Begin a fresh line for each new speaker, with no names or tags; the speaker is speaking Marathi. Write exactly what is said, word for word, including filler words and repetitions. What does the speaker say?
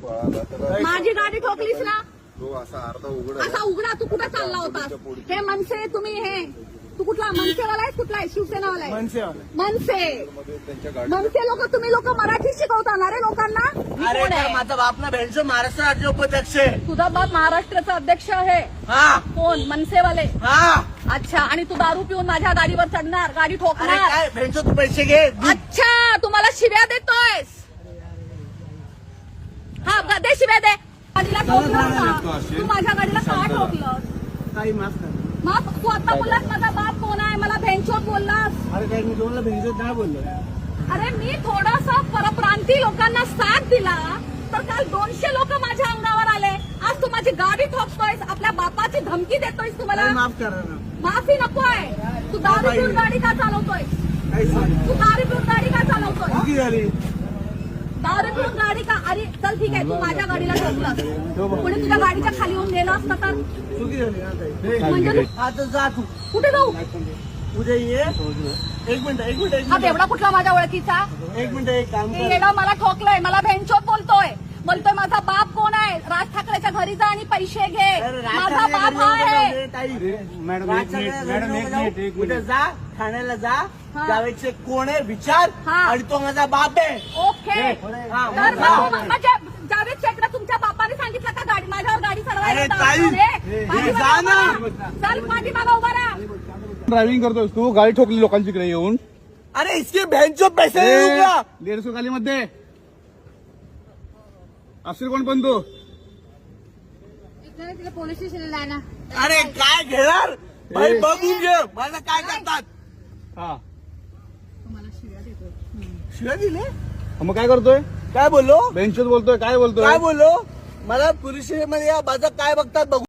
पळाला तर
माझी गाडी ठोकलीस ना,
तो असा अर्धा उघडा
असा उघडा. तू कुठे चालला होतास? हे मनसे तुम्ही, हे तू कुठला मनसेवाला आहे? कुठला आहे? शिवसेनावाला आहे? मनसे.
त्यांच्या गाडी
मनसे लोक, तुम्ही लोक मराठी शिकवता ना रे लोकांना?
अरे तर माझा बाप ना भेंडचं महाराष्ट्र राज्य उपाध्यक्ष आहे.
तुझा बाप महाराष्ट्राचा अध्यक्ष आहे?
हा
कोण? मनसेवाले?
हा.
अच्छा. आणि तू दारू पिऊन माझ्या गाडीवर चढणार, गाडी
अरे
ठोकणार?
काय भेंडचं तू पैसे घे.
अच्छा, तू मला शिव्या देतोयस? हा, ग- दे शिव्या दे. गाडीला ठोकलं का? तू माझ्या गाडीला का ठोकलं?
काही माफ कर.
मग तू आता बोललास माझा बाप कोण आहे, मला भेंचोत बोललास.
अरे काय मी तुम्हाला भेंडचं नाही बोललो.
अरे मी थोडासा परप्रांती लोकांना साथ दिला तर काल दोनशे लोक माझ्या अंगावर आले. आज तू माझी गाडी ठोकतोयस, आपल्या बापाची धमकी देतोयस. तू मला
माफ करा ना.
माफी नकोय. तू दारू पिऊन गाडी का चालवतोय?
काही सांग.
तू दारू पिऊन गाडी का चालवतोय?
चुकी झाली.
दारू पिऊन गाडी का? अरे चल ठीक आहे, तू माझ्या गाडीला ठोकलास. कोणी तुझ्या गाडीच्या खाली येऊन गेलं असतं तर?
चुकी झाली ना ताई.
म्हणजे तू
आता जा तू.
कुठे जाऊ?
उद्या ये. एक मिनिट एक मिनिट एक
हा
मिनिट
बेवडा कुठला माझ्या ओळखीचा?
एक मिनिट एक काम
हे
कर.
येडा मला ठोकलंय, मला भेंचोत बोलतोय. बोलतोय माझा बाप कोण आहे? राज ठाकरेच्या घरी जा आणि पैसे घे.
अरे राज
माझा
ठाकरे
बाप
घरी
हा
नको
आहे.
जाऊ दे, ताई.
मॅडम,
राज
एक
ठाकरे
मिनिट,
घरी
मॅडम,
नको
एक
जाऊ.
मिनिट, एक
उद्या
मिनिट.
जा ठाण्याला जा.
हा.
जावेदचे कोण आहे विचार.
हा.
आणि तो माझा बाप आहे.
ओके.
हा,
तर
मग
मग
जा.
तू म्हणजे जावेद शेखला तुमच्या बापाने सांगितलं का गाडी माझ्यावर गाडी
अरे
चढवायला?
ताई,
रे, पाठीमागे
जा ना.
उभा राहा. चल पाठीमागे उभा राहा.
ड्रायव्हिंग करतोस तू, गाडी ठोकली लोकांच्याकडे येऊन.
अरे इसके भेंचो पैसे देऊ का?
दीडशे खाली मध्ये असेल कोण पण तू.
तिला पोलीस स्टेशनला आहे ना.
अरे काय घेणार भाई, बघून घे मला काय करतात.
हा
शिवाय दिले.
मग काय करतोय?
काय बोललो
बेंचच बोलतोय, काय बोलतोय?
काय बोललो मला पोलीस स्टेशन मध्ये या माझं काय बघतात बघू.